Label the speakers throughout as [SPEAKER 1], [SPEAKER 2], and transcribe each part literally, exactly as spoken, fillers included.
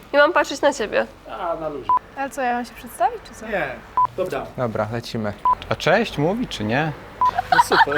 [SPEAKER 1] I mam patrzeć na ciebie.
[SPEAKER 2] A, na luzie.
[SPEAKER 3] Ale co, ja mam się przedstawić, czy co?
[SPEAKER 2] Nie. Dobra.
[SPEAKER 4] Dobra, lecimy.
[SPEAKER 5] A cześć mówi, czy nie?
[SPEAKER 2] No super.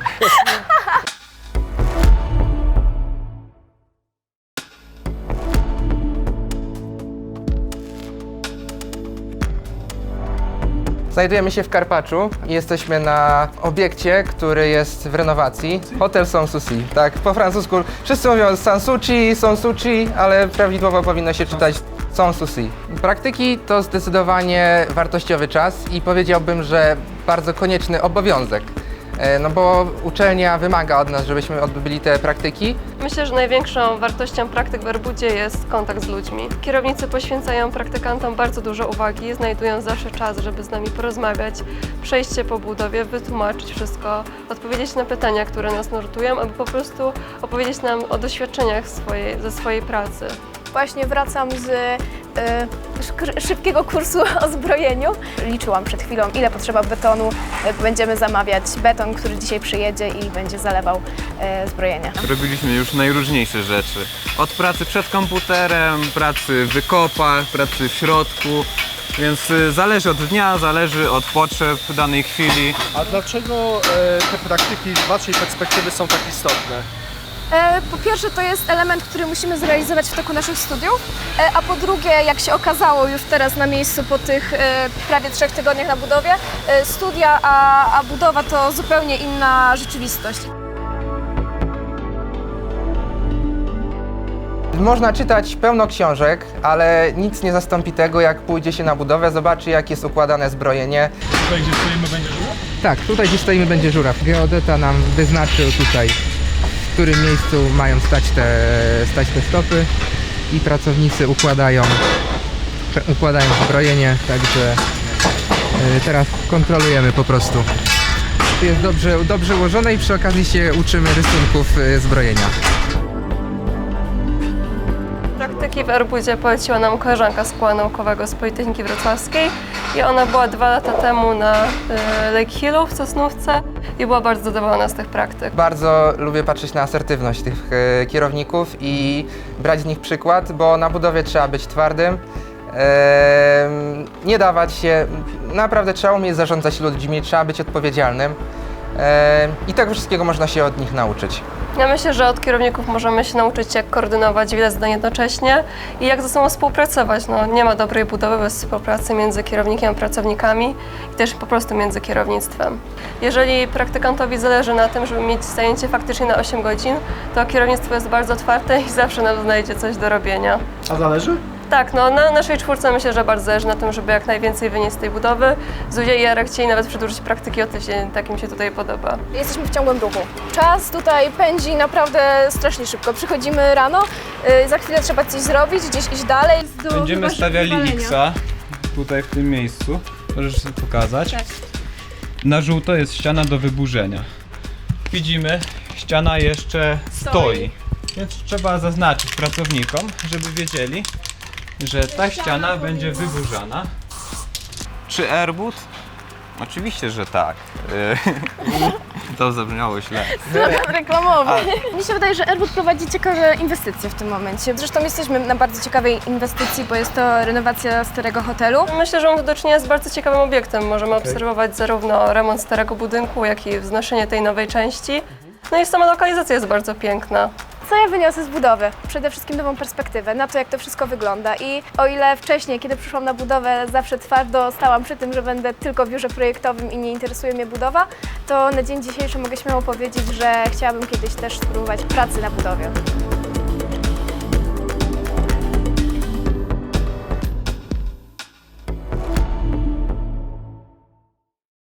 [SPEAKER 4] Znajdujemy się w Karpaczu i jesteśmy na obiekcie, który jest w renowacji. Hotel Sanssouci. Tak, po francusku wszyscy mówią Sanssouci, Sanssouci, ale prawidłowo powinno się czytać Sanssouci. Praktyki to zdecydowanie wartościowy czas i powiedziałbym, że bardzo konieczny obowiązek. E, No bo uczelnia wymaga od nas, żebyśmy odbyli te praktyki.
[SPEAKER 1] Myślę, że największą wartością praktyk w Erbudzie jest kontakt z ludźmi. Kierownicy poświęcają praktykantom bardzo dużo uwagi, znajdują zawsze czas, żeby z nami porozmawiać, przejść się po budowie, wytłumaczyć wszystko, odpowiedzieć na pytania, które nas nurtują, aby po prostu opowiedzieć nam o doświadczeniach swojej, ze swojej pracy.
[SPEAKER 3] Właśnie wracam z y, szk- szybkiego kursu o zbrojeniu. Liczyłam przed chwilą, ile potrzeba betonu. Y, Będziemy zamawiać beton, który dzisiaj przyjedzie i będzie zalewał y, zbrojenie.
[SPEAKER 5] Robiliśmy już najróżniejsze rzeczy. Od pracy przed komputerem, pracy w wykopach, pracy w środku. Więc y, zależy od dnia, zależy od potrzeb w danej chwili.
[SPEAKER 2] A dlaczego e, te praktyki z waszej perspektywy są tak istotne?
[SPEAKER 3] E, Po pierwsze, to jest element, który musimy zrealizować w toku naszych studiów, e, a po drugie, jak się okazało już teraz na miejscu po tych e, prawie trzech tygodniach na budowie, e, studia, a, a budowa to zupełnie inna rzeczywistość.
[SPEAKER 4] Można czytać pełno książek, ale nic nie zastąpi tego, jak pójdzie się na budowę, zobaczy, jak jest układane zbrojenie.
[SPEAKER 2] Tutaj, gdzie stoimy, będzie żuraw?
[SPEAKER 4] Tak, tutaj gdzie stoimy będzie żuraw. Geodeta nam wyznaczył tutaj, w którym miejscu mają stać te, stać te stopy i pracownicy układają, układają zbrojenie, także y, teraz kontrolujemy po prostu. Tu jest dobrze, dobrze ułożone i przy okazji się uczymy rysunków y, zbrojenia.
[SPEAKER 1] Praktyki w Erbudzie poleciła nam koleżanka z Koła Naukowego z Politechniki Wrocławskiej i ona była dwa lata temu na y, Lake Hillu w Sosnówce i była bardzo zadowolona z tych praktyk.
[SPEAKER 4] Bardzo lubię patrzeć na asertywność tych e, kierowników i brać z nich przykład, bo na budowie trzeba być twardym, e, nie dawać się, naprawdę trzeba umieć zarządzać ludźmi, trzeba być odpowiedzialnym e, i tego wszystkiego można się od nich nauczyć.
[SPEAKER 1] Ja myślę, że od kierowników możemy się nauczyć, jak koordynować wiele zadań jednocześnie i jak ze sobą współpracować. No, nie ma dobrej budowy bez współpracy między kierownikiem a pracownikami i też po prostu między kierownictwem. Jeżeli praktykantowi zależy na tym, żeby mieć zajęcie faktycznie na osiem godzin, to kierownictwo jest bardzo otwarte i zawsze nam znajdzie coś do robienia.
[SPEAKER 2] A zależy?
[SPEAKER 1] Tak, no na naszej czwórce myślę, że bardzo zależy na tym, żeby jak najwięcej wynieść z tej budowy. Zuzia i Jarek chcieli nawet przedłużyć praktyki o tydzień, tak im się tutaj podoba.
[SPEAKER 3] Jesteśmy w ciągłym ruchu. Czas tutaj pędzi naprawdę strasznie szybko. Przychodzimy rano, y, za chwilę trzeba coś zrobić, gdzieś iść dalej.
[SPEAKER 5] Będziemy stawiali X-a tutaj w tym miejscu. Możesz sobie pokazać.
[SPEAKER 3] Tak.
[SPEAKER 5] Na żółto jest ściana do wyburzenia. Widzimy, ściana jeszcze stoi.
[SPEAKER 3] Stoi.
[SPEAKER 5] Więc trzeba zaznaczyć pracownikom, żeby wiedzieli, że ta ściana będzie wyburzana. Czy Erbud? Oczywiście, że tak. To zabrzmiało źle.
[SPEAKER 3] Slogan reklamowy. Mi się wydaje, że Erbud prowadzi ciekawe inwestycje w tym momencie. Zresztą jesteśmy na bardzo ciekawej inwestycji, bo jest to renowacja starego hotelu.
[SPEAKER 1] Myślę, że mamy do czynienia z bardzo ciekawym obiektem. Możemy obserwować zarówno remont starego budynku, jak i wznoszenie tej nowej części. No i sama lokalizacja jest bardzo piękna.
[SPEAKER 3] Co ja wyniosę z budowy? Przede wszystkim nową perspektywę na to, jak to wszystko wygląda. I o ile wcześniej, kiedy przyszłam na budowę, zawsze twardo stałam przy tym, że będę tylko w biurze projektowym i nie interesuje mnie budowa, to na dzień dzisiejszy mogę śmiało powiedzieć, że chciałabym kiedyś też spróbować pracy na budowie.